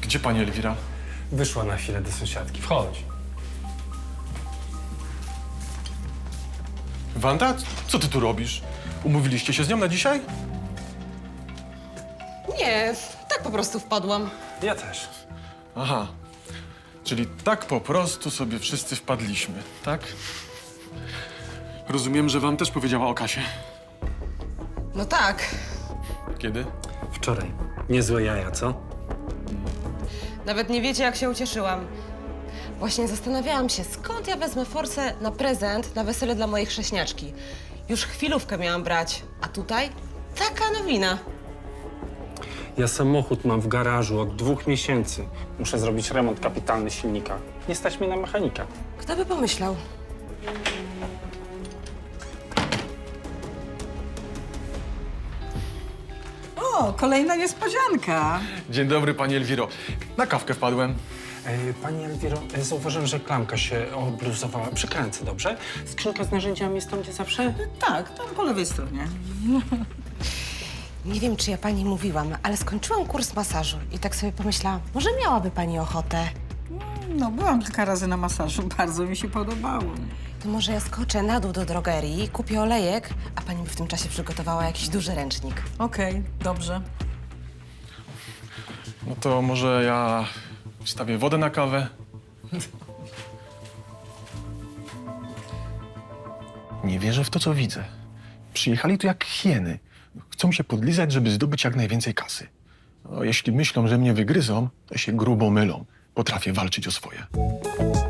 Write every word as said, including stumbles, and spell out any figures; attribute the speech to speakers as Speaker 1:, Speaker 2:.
Speaker 1: Gdzie pani Elwira?
Speaker 2: Wyszła na chwilę do sąsiadki. Wchodź.
Speaker 1: Wanda, co ty tu robisz? Umówiliście się z nią na dzisiaj?
Speaker 3: Nie, tak po prostu wpadłam.
Speaker 2: Ja też.
Speaker 1: Aha. Czyli tak po prostu sobie wszyscy wpadliśmy, tak? Rozumiem, że wam też powiedziała o Kasie.
Speaker 3: No tak.
Speaker 1: Kiedy?
Speaker 2: Wczoraj. Niezłe jaja, co?
Speaker 3: Nawet nie wiecie, jak się ucieszyłam. Właśnie zastanawiałam się, skąd ja wezmę forsę na prezent na wesele dla mojej chrześniaczki. Już chwilówkę miałam brać, a tutaj taka nowina.
Speaker 2: Ja samochód mam w garażu od dwóch miesięcy. Muszę zrobić remont kapitalny silnika. Nie stać mnie na mechanika.
Speaker 3: Kto by pomyślał?
Speaker 4: O, kolejna niespodzianka.
Speaker 1: Dzień dobry, pani Elwiro. Na kawkę wpadłem.
Speaker 2: E, Pani Elwiro, e, zauważyłem, że klamka się obluzowała. Przykręcę, dobrze? Skrzynka z narzędziami jest tam, gdzie zawsze?
Speaker 4: Tak, tam po lewej stronie.
Speaker 3: Nie wiem, czy ja pani mówiłam, ale skończyłam kurs masażu i tak sobie pomyślałam, może miałaby pani ochotę.
Speaker 4: No, byłam kilka razy na masażu, bardzo mi się podobało.
Speaker 3: To może ja skoczę na dół do drogerii, kupię olejek, a pani by w tym czasie przygotowała jakiś duży ręcznik.
Speaker 4: Okej, dobrze.
Speaker 1: No to może ja wstawię wodę na kawę. Nie wierzę w to, co widzę. Przyjechali tu jak hieny. Chcą się podlizać, żeby zdobyć jak najwięcej kasy. No, jeśli myślą, że mnie wygryzą, to się grubo mylą. Potrafię walczyć o swoje.